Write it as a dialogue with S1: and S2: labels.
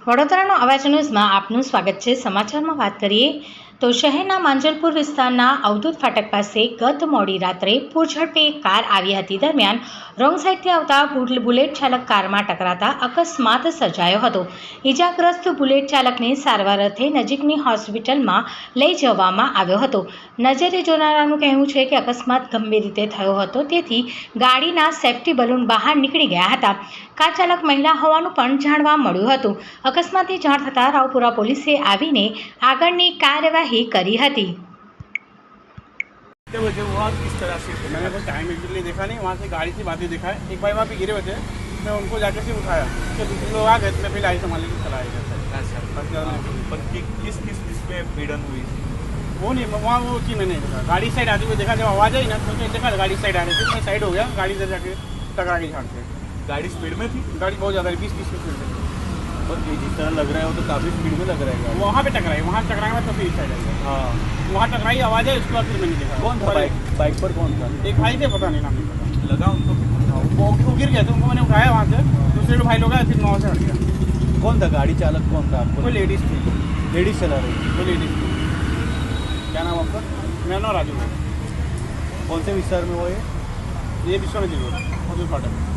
S1: વડોદરાનો અવાજ ન્યૂઝમાં આપનું સ્વાગત છે। સમાચારમાં વાત કરીએ તો શહેરના માંજલપુર વિસ્તારના અવધૂત ફાટક પાસે ગત મોડી રાત્રે પૂરઝડપે એક કાર આવી હતી। દરમિયાન રોંગ સાઈડથી આવતા બુલેટ ચાલક કારમાં ટકરાતા અકસ્માત સર્જાયો હતો। ઈજાગ્રસ્ત બુલેટ ચાલકને સારવાર અર્થે નજીકની હોસ્પિટલમાં લઈ જવામાં આવ્યો હતો। નજરે જોનારાનું કહેવું છે કે અકસ્માત ગંભીર રીતે થયો હતો, તેથી ગાડીના સેફ્ટી બલૂન બહાર નીકળી ગયા હતા। કાર ચાલક મહિલા હોવાનું પણ જાણવા મળ્યું હતું। અકસ્માતની જાણ થતાં રાવપુરા પોલીસે આવીને આગળની કાર્યવાही કરી હતી।
S2: मुझे हुआ किस तरह से मैंने कोई टाइम एग्जैक्टली देखा नहीं, वहाँ से गाड़ी से बातें देखा है। एक भाई वहाँ पे गिरे हुए थे, मैं उनको जाके से उठाया, तो दूसरे लोग आ गए, मैं फिर गाड़ी संभालने के चला गया। अच्छा, पर किस किस इसमें भिड़न हुई वो नहीं, वहाँ वो चीज़ मैंने देखा। गाड़ी साइड आती हुई देखा, जब आवाज़ आई ना तो देखा गाड़ी साइड आ रही थी, मैं साइड हो गया, गाड़ी से जाके टकरा के झाड़ से। गाड़ी स्पीड में थी, गाड़ी बहुत ज़्यादा 20-30 की स्पीड में।
S3: पर जिस तरह लग रहा है वो तो काफ़ी स्पीड में लग रहा है।
S2: वहाँ पे टकराई, वहाँ टकराया तो फिर साइड आ गया। हाँ, वहाँ टकराई, आवाज़ आई, उसके बाद फिर मैंने देखा।
S3: कौन था बाइक पर कौन था?
S2: एक भाई थे, पता नहीं नाम नहीं पता। लगा उनको वो गिर गया था, उनको मैंने उठाया वहाँ से, दूसरे भाई लोग आए, फिर 9 से हट गया।
S3: कौन था गाड़ी चालक? कौन था आपको?
S2: कोई लेडीज़ थी,
S3: लेडीज चला रही थी।
S2: कोई लेडीज़ थी। क्या नाम आपका? मेरा नाम राजू है।
S3: कौन से विस्तार में वो है?
S2: ये विश्वनाथ जी रोड, अवधूत फाटक।